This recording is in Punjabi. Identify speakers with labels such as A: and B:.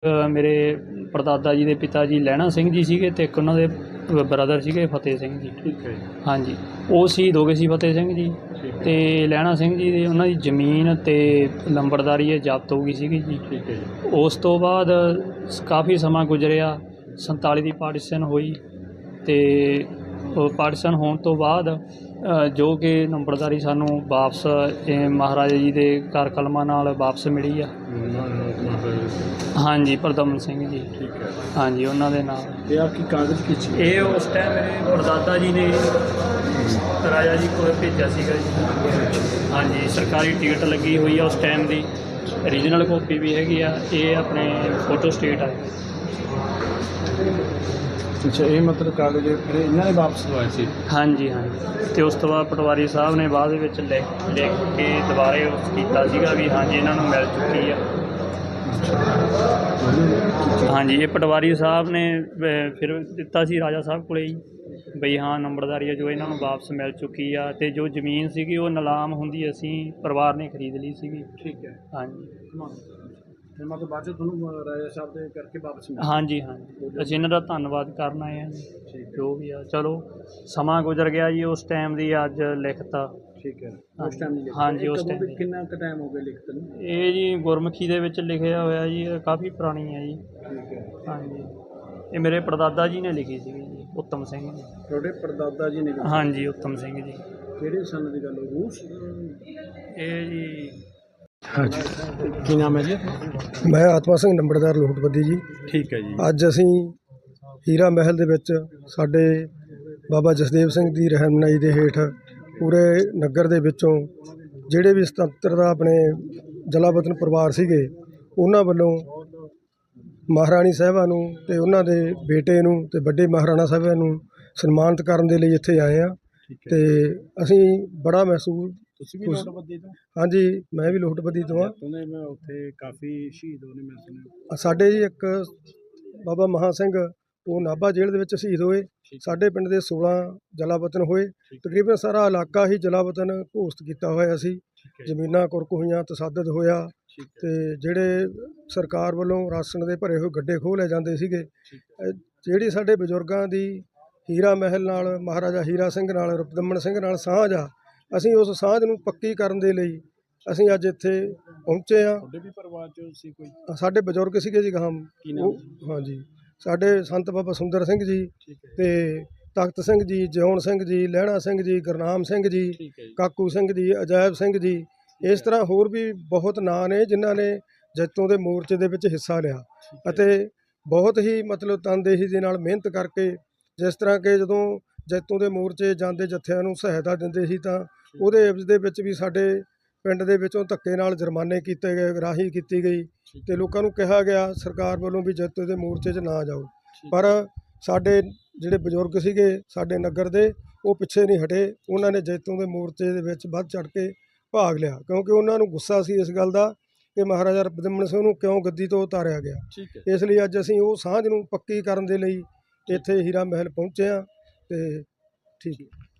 A: ਮੇਰੇ ਪੜਦਾਦਾ ਜੀ ਦੇ ਪਿਤਾ ਜੀ ਲਹਿਣਾ ਸਿੰਘ ਜੀ ਸੀਗੇ ਅਤੇ ਇੱਕ ਉਹਨਾਂ ਦੇ ਬ੍ਰਦਰ ਸੀਗੇ ਫਤਿਹ ਸਿੰਘ ਜੀ।
B: ਠੀਕ ਹੈ।
A: ਹਾਂਜੀ, ਉਹ ਸ਼ਹੀਦ ਹੋ ਗਏ ਸੀ ਫਤਿਹ ਸਿੰਘ ਜੀ। ਅਤੇ ਲਹਿਣਾ ਸਿੰਘ ਜੀ ਦੀ ਉਹਨਾਂ ਦੀ ਜ਼ਮੀਨ ਅਤੇ ਲੰਬੜਦਾਰੀ ਇਹ ਜ਼ਬਤ ਹੋ ਗਈ ਸੀਗੀ ਜੀ।
B: ਠੀਕ ਹੈ ਜੀ।
A: ਉਸ ਤੋਂ ਬਾਅਦ ਕਾਫੀ ਸਮਾਂ ਗੁਜ਼ਰਿਆ, 47 ਦੀ ਪਾਰਟੀਸ਼ਨ ਹੋਈ ਅਤੇ ਪਾਰਟੀਸ਼ਨ ਹੋਣ ਤੋਂ ਬਾਅਦ ਜੋ ਕਿ ਨੰਬਰਦਾਰੀ ਸਾਨੂੰ ਵਾਪਸ ਮਹਾਰਾਜਾ ਜੀ ਦੇ ਕਰ ਕਲਮਾਂ ਨਾਲ ਵਾਪਸ ਮਿਲੀ ਆ। ਹਾਂਜੀ, ਪਰਦਮਨ ਸਿੰਘ ਜੀ।
B: ਠੀਕ ਹੈ।
A: ਹਾਂਜੀ, ਉਹਨਾਂ ਦੇ ਨਾਲ।
B: ਤੇ ਆ ਕੀ ਕਾਗਜ਼ ਕੀ ਸੀ?
A: ਇਹ ਉਸ ਟਾਈਮ ਮੇਰੇ ਪੜਦਾਦਾ ਜੀ ਨੇ ਰਾਜਾ ਜੀ ਕੋਲ ਭੇਜਿਆ ਸੀਗਾ ਜੀ। ਹਾਂਜੀ, ਸਰਕਾਰੀ ਟਿਕਟ ਲੱਗੀ ਹੋਈ ਆ ਉਸ ਟਾਈਮ ਦੀ, ਓਰੀਜਨਲ ਕਾਪੀ ਵੀ ਹੈਗੀ ਆ। ਇਹ ਆਪਣੇ ਫੋਟੋ ਸਟੇਟ ਆ।
B: ਅੱਛਾ, ਇਹ ਮਤਲਬ ਕਾਗਜ਼ ਫਿਰ ਇਹਨਾਂ ਨੇ ਵਾਪਸ ਲਵਾਏ ਸੀ?
A: ਹਾਂਜੀ ਹਾਂਜੀ। ਅਤੇ ਉਸ ਤੋਂ ਬਾਅਦ ਪਟਵਾਰੀ ਸਾਹਿਬ ਨੇ ਬਾਅਦ ਵਿੱਚ ਲਿਖ ਕੇ ਦੁਬਾਰੇ ਉਸ ਕੀਤਾ ਸੀਗਾ ਵੀ ਹਾਂਜੀ ਇਹਨਾਂ ਨੂੰ ਮਿਲ ਚੁੱਕੀ ਆ। ਹਾਂਜੀ, ਇਹ ਪਟਵਾਰੀ ਸਾਹਿਬ ਨੇ ਫਿਰ ਦਿੱਤਾ ਸੀ ਰਾਜਾ ਸਾਹਿਬ ਕੋਲੇ ਹੀ ਬਈ ਹਾਂ ਨੰਬਰਦਾਰੀ ਆ ਜੋ ਇਹਨਾਂ ਨੂੰ ਵਾਪਸ ਮਿਲ ਚੁੱਕੀ ਆ। ਅਤੇ ਜੋ ਜ਼ਮੀਨ ਸੀਗੀ ਉਹ ਨਿਲਾਮ ਹੁੰਦੀ ਅਸੀਂ ਪਰਿਵਾਰ ਨੇ ਖਰੀਦ ਲਈ ਸੀਗੀ।
B: ਠੀਕ ਹੈ।
A: ਹਾਂਜੀ।
B: ਫਿਰ ਮਤਲਬ ਬਾਅਦ 'ਚ ਤੁਹਾਨੂੰ ਰਾਜਾ ਸਾਹਿਬ ਦੇ ਕਰਕੇ ਵਾਪਸ ਮਿਲਿਆ?
A: ਹਾਂਜੀ ਹਾਂਜੀ, ਅਸੀਂ ਇਹਨਾਂ ਦਾ ਧੰਨਵਾਦ ਕਰਨ ਆਏ ਹਾਂ ਜੀ। ਜੋ ਵੀ ਆ, ਚਲੋ ਸਮਾਂ ਗੁਜ਼ਰ ਗਿਆ ਜੀ। ਉਸ ਟਾਈਮ ਦੀ ਅੱਜ ਲਿਖਤਾ।
B: ਠੀਕ ਹੈ। ਉਸ ਟਾਈਮ ਦੀ?
A: ਹਾਂਜੀ, ਉਸ ਟਾਈਮ ਦੀ।
B: ਕਿੰਨਾ ਕੁ ਟਾਈਮ ਹੋ ਗਿਆ ਲਿਖਤ ਨੂੰ?
A: ਇਹ ਜੀ ਗੁਰਮੁਖੀ ਦੇ ਵਿੱਚ ਲਿਖਿਆ ਹੋਇਆ ਜੀ, ਇਹ ਕਾਫੀ ਪੁਰਾਣੀ ਹੈ ਜੀ।
B: ਠੀਕ ਹੈ।
A: ਹਾਂਜੀ, ਇਹ ਮੇਰੇ ਪੜਦਾਦਾ ਜੀ ਨੇ ਲਿਖੀ ਸੀਗੀ ਜੀ, ਉੱਤਮ ਸਿੰਘ ਜੀ।
B: ਤੁਹਾਡੇ ਪੜਦਾਦਾ ਜੀ ਨੇ?
A: ਹਾਂਜੀ, ਉੱਤਮ ਸਿੰਘ ਜੀ।
B: ਕਿਹੜੇ ਸੰਨ ਦੀ ਗੱਲ ਹੋ? ਰੂਸ?
A: ਇਹ ਜੀ।
B: ਹਾਂਜੀ। ਕੀ ਨਾਮ ਹੈ ਜੀ?
C: ਮੈਂ ਆਤਮਾ ਸਿੰਘ ਨੰਬਰਦਾਰ ਲੋਟਬੱਦੀ ਜੀ।
B: ਠੀਕ ਹੈ ਜੀ।
C: ਅੱਜ ਅਸੀਂ ਹੀਰਾ ਮਹਿਲ ਦੇ ਵਿੱਚ ਸਾਡੇ ਬਾਬਾ ਜਸਦੇਵ ਸਿੰਘ ਦੀ ਰਹਿਨੁਮਾਈ ਦੇ ਹੇਠ ਪੂਰੇ ਨਗਰ ਦੇ ਵਿੱਚੋਂ ਜਿਹੜੇ ਵੀ ਸੁਤੰਤਰਤਾ ਆਪਣੇ ਜਲਾਵਤਨ ਪਰਿਵਾਰ ਸੀਗੇ ਉਹਨਾਂ ਵੱਲੋਂ ਮਹਾਰਾਣੀ ਸਾਹਿਬਾਂ ਨੂੰ ਅਤੇ ਉਹਨਾਂ ਦੇ ਬੇਟੇ ਨੂੰ ਅਤੇ ਵੱਡੇ ਮਹਾਰਾਣਾ ਸਾਹਿਬਾਂ ਨੂੰ ਸਨਮਾਨਿਤ ਕਰਨ ਦੇ ਲਈ ਇੱਥੇ ਆਏ ਹਾਂ। ਅਤੇ ਅਸੀਂ ਬੜਾ ਮਹਿਸੂਸ।
B: ਤੁਸੀਂ ਵੀ ਲੋਟਬੱਦੀ ਤੋਂ?
C: ਹਾਂਜੀ, ਮੈਂ ਵੀ ਲੋਟਬੱਦੀ ਤੋਂ ਹਾਂ।
B: ਮੈਂ ਉੱਥੇ ਕਾਫੀ ਸ਼ਹੀਦ ਹੋਣੇ ਮੈਂ ਸੁਣਿਆ।
C: ਸਾਡੇ ਜੀ ਇੱਕ ਬਾਬਾ ਮਹਾ ਸਿੰਘ ਉਹ ਨਾਭਾ ਜੇਲ੍ਹ ਦੇ ਵਿੱਚ ਸ਼ਹੀਦ ਹੋਏ। ਸਾਡੇ ਪਿੰਡ ਦੇ 16 ਜਲਾਵਤਨ ਹੋਏ। ਤਕਰੀਬਨ ਸਾਰਾ ਇਲਾਕਾ ਹੀ ਜਲਾਵਤਨ ਘੋਸ਼ਿਤ ਕੀਤਾ ਹੋਇਆ ਸੀ। ਜ਼ਮੀਨਾਂ ਕੁਰਕ ਹੋਈਆਂ, ਤਸੱਦਦ ਹੋਇਆ ਅਤੇ ਜਿਹੜੇ ਸਰਕਾਰ ਵੱਲੋਂ ਰਾਸ਼ਨ ਦੇ ਭਰੇ ਹੋਏ ਗੱਡੇ ਖੋਹ ਲੈ ਜਾਂਦੇ ਸੀਗੇ। ਜਿਹੜੀ ਸਾਡੇ ਬਜ਼ੁਰਗਾਂ ਦੀ ਹੀਰਾ ਮਹਿਲ ਨਾਲ, ਮਹਾਰਾਜਾ ਹੀਰਾ ਸਿੰਘ ਨਾਲ, ਰੁਪਦਮਨ ਸਿੰਘ ਨਾਲ ਸਾਂਝ ਆ, ਅਸੀਂ ਉਸ ਸਾਂਝ ਨੂੰ ਪੱਕੀ ਕਰਨ ਦੇ ਲਈ ਅਸੀਂ ਅੱਜ ਇੱਥੇ ਪਹੁੰਚੇ ਹਾਂ।
B: ਤੁਹਾਡੇ ਵੀ ਪਰਿਵਾਰ 'ਚ ਸੀ ਕੋਈ?
C: ਸਾਡੇ ਬਜ਼ੁਰਗ ਸੀਗੇ ਜੀ।
B: ਕੀ ਨਾਮ?
C: ਹਾਂਜੀ, ਸਾਡੇ ਸੰਤ ਬਾਬਾ ਸੁੰਦਰ ਸਿੰਘ ਜੀ ਅਤੇ ਤਖਤ ਸਿੰਘ ਜੀ, ਜਿਉਣ ਸਿੰਘ ਜੀ, ਲਹਿਣਾ ਸਿੰਘ ਜੀ, ਗੁਰਨਾਮ ਸਿੰਘ ਜੀ, ਕਾਕੂ ਸਿੰਘ ਜੀ, ਅਜਾਇਬ ਸਿੰਘ ਜੀ, ਇਸ ਤਰ੍ਹਾਂ ਹੋਰ ਵੀ ਬਹੁਤ ਨਾਂ ਨੇ ਜਿਨ੍ਹਾਂ ਨੇ ਜੈਤੋਂ ਦੇ ਮੋਰਚੇ ਦੇ ਵਿੱਚ ਹਿੱਸਾ ਲਿਆ ਅਤੇ ਬਹੁਤ ਹੀ ਮਤਲਬ ਤਨਦੇਹੀ ਦੇ ਨਾਲ ਮਿਹਨਤ ਕਰਕੇ, ਜਿਸ ਤਰ੍ਹਾਂ ਕਿ ਜਦੋਂ ਜੈਤੋਂ ਦੇ ਮੋਰਚੇ ਜਾਂਦੇ ਜੱਥਿਆਂ ਨੂੰ ਸਹਾਇਤਾ ਦਿੰਦੇ ਸੀ ਤਾਂ ਉਹਦੇ ਇਵਜ਼ ਦੇ ਵਿੱਚ ਵੀ ਸਾਡੇ ਪਿੰਡ ਦੇ ਵਿੱਚੋਂ ਧੱਕੇ ਨਾਲ ਜੁਰਮਾਨੇ ਕੀਤੇ ਗਏ, ਰਾਹੀ ਕੀਤੀ ਗਈ ਅਤੇ ਲੋਕਾਂ ਨੂੰ ਕਿਹਾ ਗਿਆ ਸਰਕਾਰ ਵੱਲੋਂ ਵੀ ਜੈਤੋਂ ਦੇ ਮੋਰਚੇ 'ਚ ਨਾ ਜਾਓ। ਪਰ ਸਾਡੇ ਜਿਹੜੇ ਬਜ਼ੁਰਗ ਸੀਗੇ ਸਾਡੇ ਨਗਰ ਦੇ, ਉਹ ਪਿੱਛੇ ਨਹੀਂ ਹਟੇ। ਉਹਨਾਂ ਨੇ ਜੈਤੋਂ ਦੇ ਮੋਰਚੇ ਦੇ ਵਿੱਚ ਵੱਧ ਚੜ੍ਹ ਕੇ ਭਾਗ ਲਿਆ ਕਿਉਂਕਿ ਉਹਨਾਂ ਨੂੰ ਗੁੱਸਾ ਸੀ ਇਸ ਗੱਲ ਦਾ ਕਿ ਮਹਾਰਾਜਾ ਰੁਪਦਮਨ ਸਿੰਘ ਨੂੰ ਕਿਉਂ ਗੱਦੀ ਤੋਂ ਉਤਾਰਿਆ ਗਿਆ। ਇਸ ਲਈ ਅੱਜ ਅਸੀਂ ਉਹ ਸਾਂਝ ਨੂੰ ਪੱਕੀ ਕਰਨ ਦੇ ਲਈ ਇੱਥੇ ਹੀਰਾ ਮਹਿਲ ਪਹੁੰਚੇ ਹਾਂ। ਅਤੇ ਠੀਕ ਹੈ।